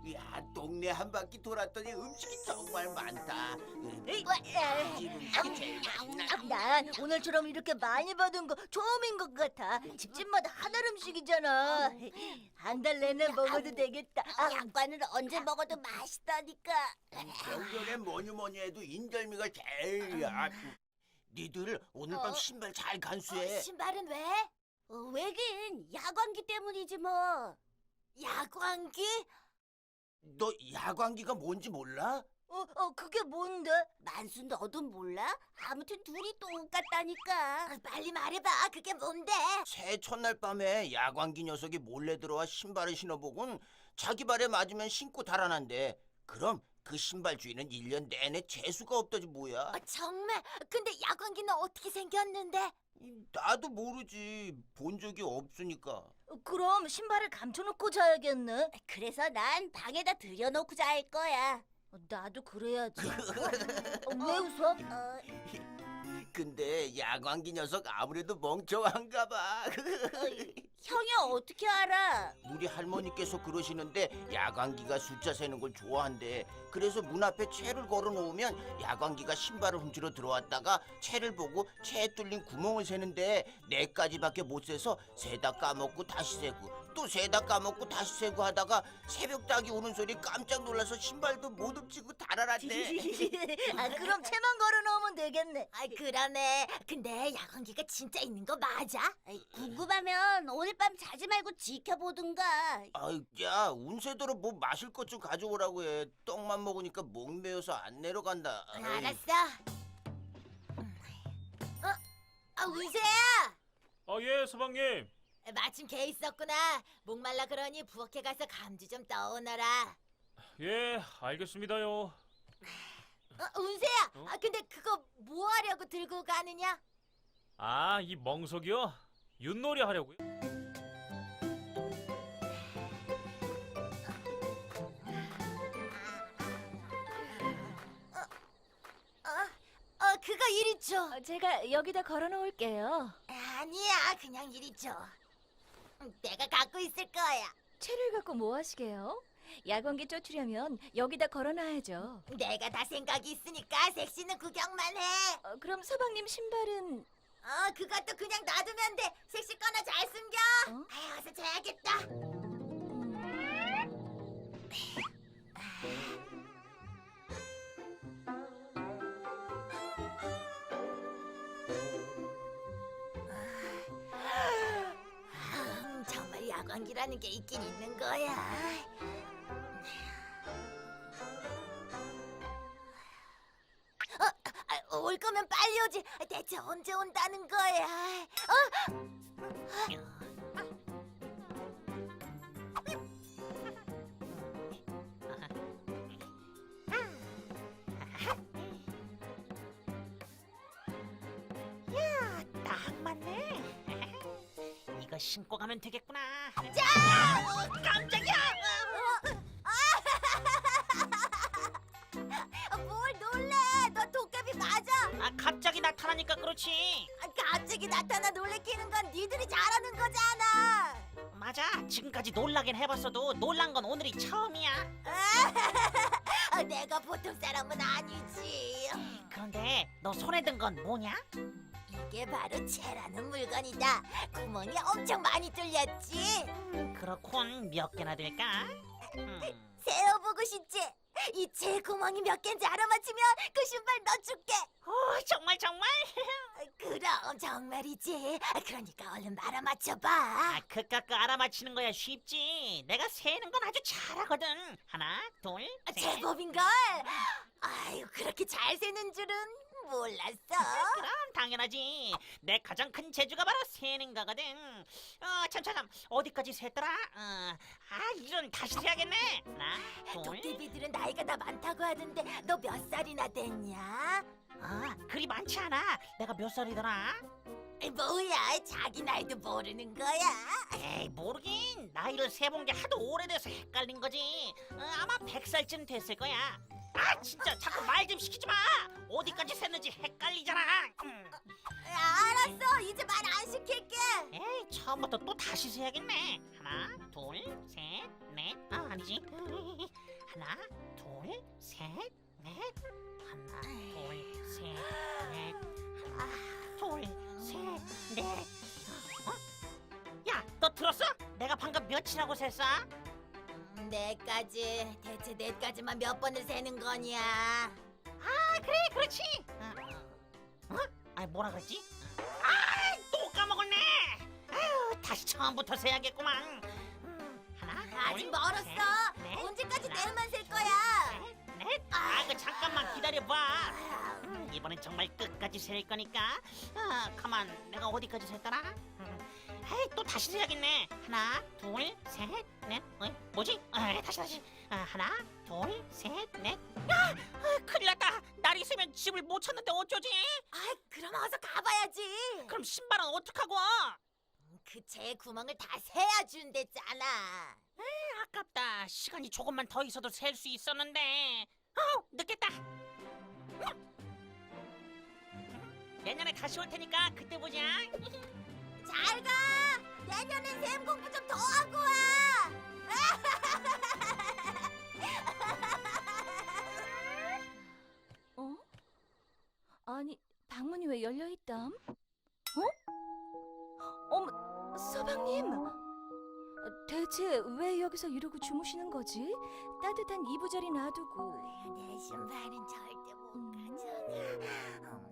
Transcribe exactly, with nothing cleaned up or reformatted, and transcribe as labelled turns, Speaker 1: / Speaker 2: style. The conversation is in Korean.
Speaker 1: 야, 동네 한 바퀴 돌았더니 음식이 정말 많다.
Speaker 2: 에이,
Speaker 1: 집 음식이 제일 맛있나?
Speaker 2: 난 오늘처럼 이렇게 많이 받은 거 처음인 것 같아. 집집마다 하나를 음식이잖아. 한 달 내내 먹어도 되겠다. 아,
Speaker 3: 양반은 언제 먹어도 맛있다니까.
Speaker 1: 병변에 뭐니 뭐니 해도 인절미가 제일이야. 니들 오늘 밤
Speaker 3: 어?
Speaker 1: 신발 잘
Speaker 3: 어,
Speaker 1: 간수해.
Speaker 3: 신발은 왜? 어, 왜긴 야광기 때문이지 뭐. 야광기?
Speaker 1: 너 야광기가 뭔지 몰라?
Speaker 2: 어, 어, 그게 뭔데?
Speaker 3: 만수 너도 몰라? 아무튼 둘이 똑같다니까. 빨리 말해봐. 그게 뭔데?
Speaker 1: 새해 첫날 밤에 야광기 녀석이 몰래 들어와 신발을 신어보곤 자기 발에 맞으면 신고 달아난대. 그럼 그 신발 주인은 일 년 내내 재수가 없다지 뭐야.
Speaker 3: 어, 정말? 근데 야광기는 어떻게 생겼는데?
Speaker 1: 나도 모르지. 본 적이 없으니까.
Speaker 2: 그럼 신발을 감춰놓고 자야겠네.
Speaker 3: 그래서 난 방에다 들여놓고 잘 거야.
Speaker 2: 어, 나도 그래야지. 어, 왜 웃어?
Speaker 3: 어,
Speaker 1: 근데 야광기 녀석 아무래도 멍청한가 봐.
Speaker 3: 형이 어떻게 알아?
Speaker 1: 우리 할머니께서 그러시는데 야광기가 숫자 세는 걸 좋아한대. 그래서 문 앞에 채를 걸어 놓으면 야광기가 신발을 훔치러 들어왔다가 채를 보고 채에 뚫린 구멍을 세는데 네 가지밖에 못 세서 세다 까먹고 다시 세고 또 세다 까먹고 다시 세고 하다가 새벽 닭이 오는 소리 깜짝 놀라서 신발도 못 훔치고 달아났대.
Speaker 2: 아, 그럼 채만 걸어놓으면 되겠네.
Speaker 3: 아, 그러네. 근데 야광기가 진짜 있는 거 맞아? 아이, 궁금하면 오늘 밤 자지 말고 지켜보든가.
Speaker 1: 아이, 야, 운세대로 뭐 마실 것 좀 가져오라고 해. 떡만 먹으니까 목 메어서 안 내려간다. 아이.
Speaker 3: 알았어. 어? 아, 운세야!
Speaker 4: 아, 예, 서방님.
Speaker 3: 마침 개 있었구나. 목말라 그러니 부엌에 가서 감주 좀 떠오너라.
Speaker 4: 예, 알겠습니다요.
Speaker 3: 어, 운세야!
Speaker 4: 어?
Speaker 3: 아, 근데 그거 뭐 하려고 들고 가느냐?
Speaker 4: 아, 이 멍석이요? 윷놀이 하려고요?
Speaker 3: 어, 어, 그거 이리 줘.
Speaker 2: 제가 여기다 걸어놓을게요.
Speaker 3: 아니야, 그냥 이리 줘. 음, 내가 갖고 있을 거야.
Speaker 2: 채를 갖고 뭐 하시게요? 야광기 쫓으려면 여기다 걸어놔야죠.
Speaker 3: 내가 다 생각이 있으니까 섹시는 구경만 해.
Speaker 2: 어, 그럼 서방님 신발은
Speaker 3: 어, 그것도 그냥 놔두면 돼. 섹시 거나 잘 숨겨.
Speaker 2: 어?
Speaker 3: 아유, 어서 자야겠다. 음, 정말 야광기라는 게 있긴 있는 거야. 어, 아, 올 거면 빨리 오지. 대체 언제 온다는 거야? 어?
Speaker 5: 딱 맞네. 이거 신고 가면 되겠구나.
Speaker 3: 자!
Speaker 5: 깜짝이야!
Speaker 3: 아, 뭘 놀래? 너 도깨비 맞아?
Speaker 5: 아, 갑자기 나타나니까 그렇지.
Speaker 3: 아, 갑자기 나타나 놀래키는 건 니들이 잘하는 거잖아.
Speaker 5: 맞아. 지금까지 놀라긴 해봤어도 놀란 건 오늘이 처음이야.
Speaker 3: 아, 내가 보통 사람은 아니지.
Speaker 5: 그런데 너 손에 든 건 뭐냐?
Speaker 3: 이게 바로 채라는 물건이다. 구멍이 엄청 많이 뚫렸지.
Speaker 5: 그렇군. 몇 개나 될까? 음,
Speaker 3: 세어보고 싶지? 이 채 구멍이 몇 개인지 알아맞히면 그 신발 넣어줄게.
Speaker 5: 오, 정말 정말.
Speaker 3: 아, 그럼 정말이지. 아, 그러니까 얼른 알아맞혀봐.
Speaker 5: 아, 그깟 거 알아맞히는 거야 쉽지. 내가 세는 건 아주 잘하거든. 하나, 둘,
Speaker 3: 아,
Speaker 5: 셋.
Speaker 3: 제법인걸. 아유, 그렇게 잘 세는 줄은 몰랐어.
Speaker 5: 그럼 당연하지. 내 가장 큰 재주가 바로 세는 거거든. 어, 참참참. 어디까지 셌더라? 어, 아, 이런 다시 세야겠네. 하나, 둘.
Speaker 3: 도깨비들은 나이가 다 많다고 하던데 너 몇 살이나 됐냐?
Speaker 5: 아, 그리 많지 않아. 내가 몇 살이더라?
Speaker 3: 에이, 뭐야, 자기 나이도 모르는 거야?
Speaker 5: 에이, 모르긴. 나이를 세본 게 하도 오래돼서 헷갈린 거지. 어, 아마 백 살쯤 됐을 거야. 아, 진짜 자꾸 말 좀 시키지 마. 어디까지 셌는지 헷갈리잖아. 음.
Speaker 3: 알았어, 이제 말 안 시킬게.
Speaker 5: 에이, 처음부터 또 다시 세야겠네. 하나, 둘, 셋, 넷. 아, 아니지. 하나, 둘, 셋, 넷. 하나, 둘, 셋, 넷. 하나, 둘, 셋, 넷. 어? 야, 너 들었어? 내가 방금 몇이라고 셌어?
Speaker 3: 네까지. 대체 네까지만 몇 번을 세는 거냐?
Speaker 5: 아, 그래, 그렇지. 어? 어? 아니, 뭐라 그랬지? 아, 또 까먹었네. 아유, 다시 처음부터 세야겠구만. 음, 하나,
Speaker 3: 아직
Speaker 5: 둘,
Speaker 3: 멀었어.
Speaker 5: 셋, 넷.
Speaker 3: 언제까지
Speaker 5: 하나,
Speaker 3: 내일만 셀 거야?
Speaker 5: 셋, 넷. 아, 그 잠깐만 기다려봐. 음, 이번엔 정말 끝까지 셀 거니까. 아, 가만, 내가 어디까지 셀더라? 음, 에이, 또 다시 세야겠네. 하나, 둘, 셋, 넷. 어이, 뭐지? 아, 다시 다시. 아, 하나, 둘, 셋, 넷. 야, 아, 큰일 났다. 날 있으면 집을 못 찾는데 어쩌지?
Speaker 3: 아, 그럼 어서 가봐야지.
Speaker 5: 그럼 신발은 어떡하고?
Speaker 3: 그 제 구멍을 다 세야 준댔잖아.
Speaker 5: 아깝다. 시간이 조금만 더 있어도 셀 수 있었는데. 어, 늦겠다. 내년에 다시 올 테니까 그때 보자.
Speaker 3: 잘 가. 내년엔 셈 공부 좀 더 하고 와.
Speaker 2: 어? 아니, 방문이 왜 열려 있담? 어? 어머, 서방님! 대체 왜 여기서 이러고 주무시는 거지? 따뜻한 이부자리 놔두고.
Speaker 3: 내 신발은 절대 못 가져가.